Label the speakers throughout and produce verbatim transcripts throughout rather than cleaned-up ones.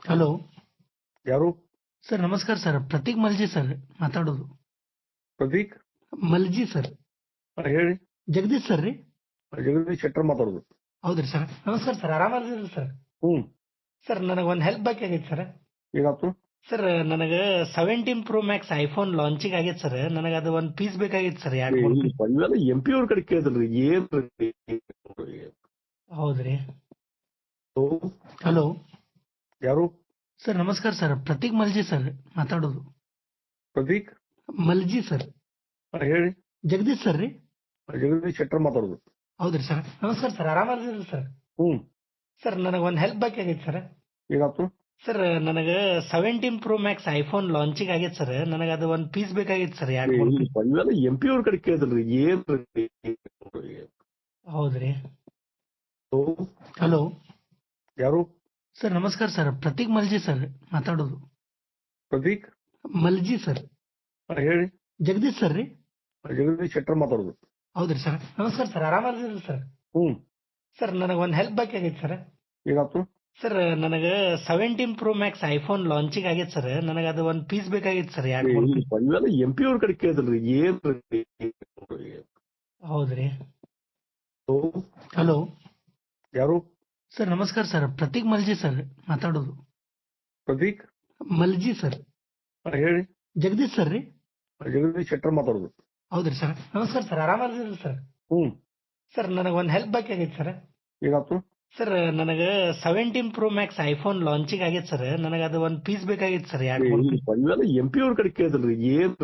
Speaker 1: Hello
Speaker 2: ಯಾರು?
Speaker 1: Sir ನಮಸ್ಕಾರ sir, Prateek Malji sir ಮಾತಾಡೋದು.
Speaker 2: ಪ್ರದೀಕ್
Speaker 1: ಮಲ್ಜಿ ಸರ್.
Speaker 2: ಹಾ, ಹೇಳಿ.
Speaker 1: ಜಗದೀಶ್ ಸರ್ ರೀ?
Speaker 2: ಜಗದೀಶ್ ಶೆಟ್ಟರ್ ಮಾತಾಡೋದು.
Speaker 1: ಹೌದ್ರಿ ಸರ್. ನಮಸ್ಕಾರ ಸರ್, ಆರಾಮದಿರಿ ಸರ್?
Speaker 2: ಹ್ಞೂ.
Speaker 1: ಸರ್ ನನಗೆ ಒಂದು ಹೆಲ್ಪ್ ಬೇಕಾಗಿತ್ತು ಸರ್.
Speaker 2: ಏನಾಯ್ತು?
Speaker 1: ಸರ್ ನನಗೆ seventeen pro max iPhone launching ಆಗೈತೆ ಸರ್. ನನಗೆ ಅದು ಒಂದು ಪೀಸ್ ಬೇಕಾಗಿತ್ತು ಸರ್, ಎರಡು ಮೂರು ಪೀಸ್.
Speaker 2: ಇವೆಲ್ಲ ಎಂ ಪಿ ಅವ್ರ ಕಡೆ ಕೇಳಿದ್ರಿ ಏನ್?
Speaker 1: ಹೌದ್ರಿ.
Speaker 2: ಓ,
Speaker 1: ಹಲೋ
Speaker 2: ಯಾರು?
Speaker 1: ಸರ್ ನಮಸ್ಕಾರ ಸರ್, ಪ್ರತೀಕ್ ಮಲ್ಜಿ ಸರ್ ಮಾತಾಡೋದು.
Speaker 2: ಪ್ರದೀಕ್
Speaker 1: ಮಲ್ಜಿ ಸರ್.
Speaker 2: ಹಾ, ಹೇಳಿ.
Speaker 1: ಜಗದೀಶ್ ಸರ್ ರೀ?
Speaker 2: ಜಗದೀಶ್ ಶೆಟ್ಟರ್ ಮಾತಾಡೋದು.
Speaker 1: ಹೌದ್ರಿ ಸರ್. ನಮಸ್ಕಾರ ಸರ್, ಆರಾಮದಿರಿ ಸರ್?
Speaker 2: ಹ್ಞೂ.
Speaker 1: ಸರ್ ನನಗೆ ಒಂದು ಹೆಲ್ಪ್ ಬೇಕಾಗಿತ್ತು ಸರ್.
Speaker 2: ಏನಾಯ್ತು?
Speaker 1: ಸರ್ ನನಗೆ seventeen pro max iPhone launching ಆಗೈತೆ ಸರ್. ನನಗೆ ಅದು ಒಂದು ಪೀಸ್ ಬೇಕಾಗಿತ್ತು ಸರ್, ಎರಡು ಮೂರು ಪೀಸ್.
Speaker 2: ಇವೆಲ್ಲ ಎಂ ಪಿ ಅವ್ರ ಕಡೆ ಕೇಳಿದ್ರಿ ಏನ್?
Speaker 1: ಹೌದ್ರಿ.
Speaker 2: ಓ,
Speaker 1: ಹಲೋ
Speaker 2: ಯಾರು?
Speaker 1: ಸರ್ ನಮಸ್ಕಾರ ಸರ್, ಪ್ರತೀಕ್ ಮಲ್ಜಿ ಸರ್ ಮಾತಾಡೋದು.
Speaker 2: ಪ್ರದೀಕ್
Speaker 1: ಮಲ್ಜಿ ಸರ್.
Speaker 2: ಹಾ, ಹೇಳಿ.
Speaker 1: ಜಗದೀಶ್ ಸರ್ ರೀ?
Speaker 2: ಜಗದೀಶ್ ಶೆಟ್ಟರ್ ಮಾತಾಡೋದು.
Speaker 1: ಹೌದ್ರಿ ಸರ್. ನಮಸ್ಕಾರ ಸರ್, ಆರಾಮದಿರಿ ಸರ್?
Speaker 2: ಹ್ಞೂ.
Speaker 1: ಸರ್ ನನಗೆ ಒಂದು ಹೆಲ್ಪ್ ಬೇಕಾಗಿತ್ತು ಸರ್.
Speaker 2: ಏನಾಯ್ತು?
Speaker 1: ಸರ್ ನನಗೆ seventeen pro max iPhone launching ಆಗೈತೆ ಸರ್. ನನಗೆ ಅದು ಒಂದು ಪೀಸ್ ಬೇಕಾಗಿತ್ತು ಸರ್, ಎರಡು ಮೂರು ಪೀಸ್.
Speaker 2: ಇವೆಲ್ಲ ಎಂ ಪಿ ಅವ್ರ ಕಡೆ ಕೇಳಿದ್ರಿ ಏನ್?
Speaker 1: ಹೌದ್ರಿ.
Speaker 2: ಓ,
Speaker 1: ಹಲೋ
Speaker 2: ಯಾರು?
Speaker 1: ಸರ್ ನಮಸ್ಕಾರ ಸರ್, ಪ್ರತೀಕ್ ಮಲ್ಜಿ ಸರ್ ಮಾತಾಡೋದು.
Speaker 2: ಪ್ರದೀಕ್
Speaker 1: ಮಲ್ಜಿ ಸರ್.
Speaker 2: ಹಾ, ಹೇಳಿ.
Speaker 1: ಜಗದೀಶ್ ಸರ್ ರೀ?
Speaker 2: ಜಗದೀಶ್ ಶೆಟ್ಟರ್ ಮಾತಾಡೋದು.
Speaker 1: ಹೌದ್ರಿ ಸರ್. ನಮಸ್ಕಾರ ಸರ್, ಆರಾಮದಿರಿ ಸರ್?
Speaker 2: ಹ್ಞೂ.
Speaker 1: ಸರ್ ನನಗೆ ಒಂದು ಹೆಲ್ಪ್ ಬೇಕಾಗಿತ್ತು ಸರ್.
Speaker 2: ಏನಾಯ್ತು?
Speaker 1: ಸರ್ ನನಗೆ seventeen pro max iPhone launching ಆಗೈತೆ ಸರ್. ನನಗೆ ಅದು ಒಂದು ಪೀಸ್ ಬೇಕಾಗಿತ್ತು ಸರ್, ಎರಡು ಮೂರು ಪೀಸ್.
Speaker 2: ಇವೆಲ್ಲ ಎಂ ಪಿ ಅವ್ರ ಕಡೆ ಕೇಳಿದ್ರಿ ಏನ್?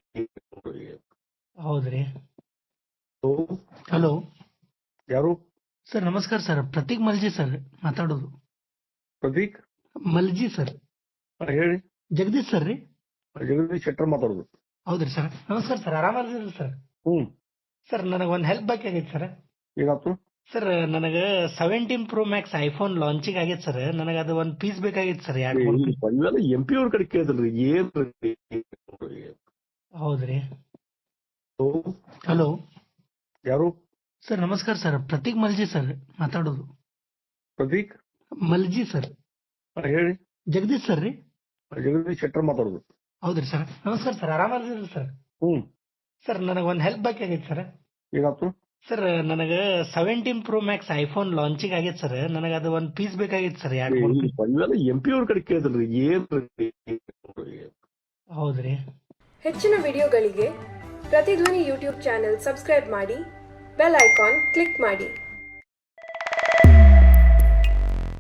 Speaker 1: ಹೌದ್ರಿ.
Speaker 2: ಓ,
Speaker 1: ಹಲೋ
Speaker 2: ಯಾರು?
Speaker 1: ಸರ್ ನಮಸ್ಕಾರ ಸರ್, ಪ್ರತೀಕ್ ಮಲ್ಜಿ ಸರ್ ಮಾತಾಡೋದು.
Speaker 2: ಪ್ರದೀಕ್
Speaker 1: ಮಲ್ಜಿ ಸರ್.
Speaker 2: ಹಾ, ಹೇಳಿ.
Speaker 1: ಜಗದೀಶ್ ಸರ್ ರೀ?
Speaker 2: ಜಗದೀಶ್ ಶೆಟ್ಟರ್ ಮಾತಾಡೋದು.
Speaker 1: ಹೌದ್ರಿ ಸರ್. ನಮಸ್ಕಾರ ಸರ್, ಆರಾಮದಿರಿ ಸರ್?
Speaker 2: ಹ್ಞೂ.
Speaker 1: ಸರ್ ನನಗೆ ಒಂದು ಹೆಲ್ಪ್ ಬೇಕಾಗಿತ್ತು ಸರ್.
Speaker 2: ಏನಾಯ್ತು?
Speaker 1: ಸರ್ ನನಗೆ seventeen pro max iPhone launching ಆಗೈತೆ ಸರ್. ನನಗೆ ಅದು ಒಂದು ಪೀಸ್ ಬೇಕಾಗಿತ್ತು ಸರ್, ಎರಡು ಮೂರು ಪೀಸ್.
Speaker 2: ಇವೆಲ್ಲ ಎಂ ಪಿ ಅವ್ರ ಕಡೆ ಕೇಳಿದ್ರಿ ಏನ್?
Speaker 1: ಹೌದ್ರಿ.
Speaker 2: ಓ,
Speaker 1: ಹಲೋ
Speaker 2: ಯಾರು?
Speaker 1: ಸರ್ ನಮಸ್ಕಾರ ಸರ್, ಪ್ರತೀಕ್ ಮಲ್ಜಿ ಸರ್ ಮಾತಾಡೋದು.
Speaker 2: ಪ್ರದೀಕ್
Speaker 1: ಮಲ್ಜಿ ಸರ್.
Speaker 2: ಹಾ, ಹೇಳಿ.
Speaker 1: ಜಗದೀಶ್ ಸರ್ ರೀ?
Speaker 2: ಜಗದೀಶ್ ಶೆಟ್ಟರ್ ಮಾತಾಡೋದು.
Speaker 1: ಹೌದ್ರಿ ಸರ್. ನಮಸ್ಕಾರ ಸರ್, ಆರಾಮದಿರಿ ಸರ್?
Speaker 2: ಹ್ಞೂ.
Speaker 1: ಸರ್ ನನಗೆ ಒಂದು ಹೆಲ್ಪ್ ಬೇಕಾಗಿತ್ತು ಸರ್.
Speaker 2: ಏನಾಯ್ತು?
Speaker 1: ಸರ್ ನನಗೆ seventeen pro max iPhone launching ಆಗೈತೆ ಸರ್. ನನಗೆ ಅದು ಒಂದು ಪೀಸ್ ಬೇಕಾಗಿತ್ತು ಸರ್, ಎರಡು ಮೂರು ಪೀಸ್.
Speaker 2: ಇವೆಲ್ಲ ಎಂ ಪಿ ಅವ್ರ ಕಡೆ ಕೇಳಿದ್ರಿ ಏನ್?
Speaker 1: ಹೌದ್ರಿ.
Speaker 3: ಹೆಚ್ಚಿನ ವಿಡಿಯೋಗಳಿಗೆ ಪ್ರತಿಧ್ವನಿ ಯೂಟ್ಯೂಬ್ ಚಾನೆಲ್ ಸಬ್ಸ್ಕ್ರೈಬ್ ಮಾಡಿ, ಬೆಲ್ ಐಕಾನ್ ಕ್ಲಿಕ್ ಮಾಡಿ.